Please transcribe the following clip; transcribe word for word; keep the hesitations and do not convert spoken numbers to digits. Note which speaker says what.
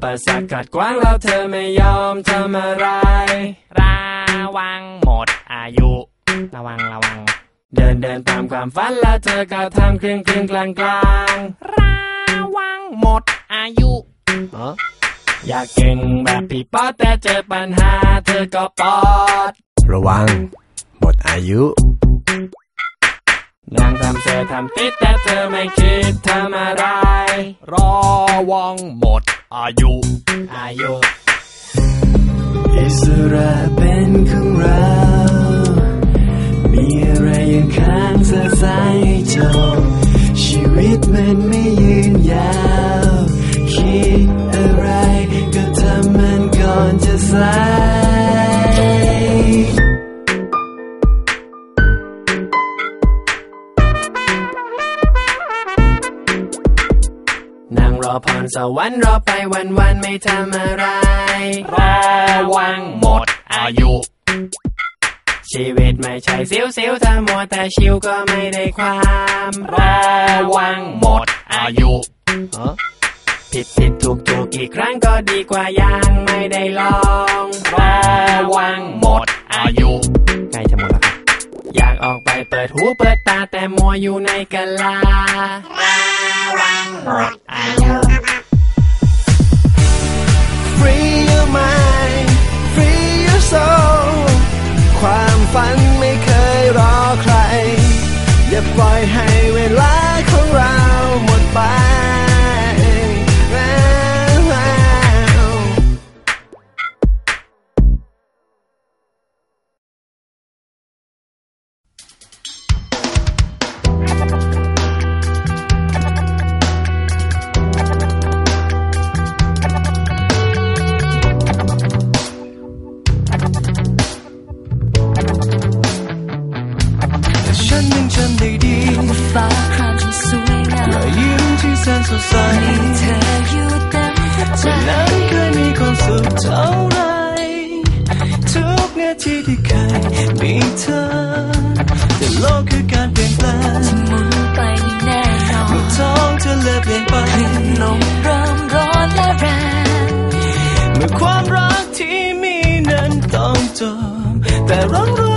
Speaker 1: ปสรรคขัดขวางแล้วเธอไม่ยอมทำอะไร
Speaker 2: ระวังหมดอายุระวังระวัง
Speaker 1: เดินเดินตามความฝันแล้วเธอก็ทำครึ่งครึ่งกลางกลาง
Speaker 2: ระวังหมดอายุ
Speaker 1: อยากเก่งแบบพี่ป๊อดแต่เจอปัญหาเธอก็ปอด
Speaker 3: ระวังหมดอายุ
Speaker 1: นางทำเสือทำติดแต่เธอไม่คิดทำอะไร
Speaker 2: ระวังหมดอายุ
Speaker 1: อายุอิสระเป็นของเรามีอะไรยังค้างสะสายให้จบชีวิตมันไม่ยืนยาวคิดอะไรก็ทำมันก่อนจะสายนั่งรอพรสวรรค์รอไปวันวันไม่ทำอะไร
Speaker 2: ระวังหมดอายุ
Speaker 1: ชีวิตไม่ใช่ซิวซิวถ้ามัวแต่ชิวก็ไม่ได้ความ
Speaker 2: ระวังหมดอายุ
Speaker 1: ผิดผิดถูกถูกกี่ครั้งก็ดีกว่ายังไม่ได้ลอง
Speaker 2: ระวังหมดอายุ
Speaker 1: ใกล้จะหมดแล้วครับอยากออกไปเปิดหูเปิดตาแต่มัวอยู่ในกะลา
Speaker 2: ระวังหมดอายุ
Speaker 1: Free your mind Free your soul ความฝันไม่เคยรอใครอย่าปล่อยให้เวลาของเราหมดไป
Speaker 4: ฟ้าครามที่สวยงาม
Speaker 1: รอยยิ้มที่แสนสดใส
Speaker 4: มีเธออยู่เต็มใจ
Speaker 1: วันนั้นเคยมีความสุขเท่าไรทุกนาทีที่เคยมีเธอแต่โลกคือการเปลี่ยนแปลง
Speaker 4: ที่หมุนไปไม่แน่นอน
Speaker 1: เมื่อท้องเธอเริ่มเปลี่ยนไป
Speaker 4: คลื่นลมเริ่มร้อนและแรง
Speaker 1: เมื่อความรักที่มีนั้นต้องจบแต่เรารู้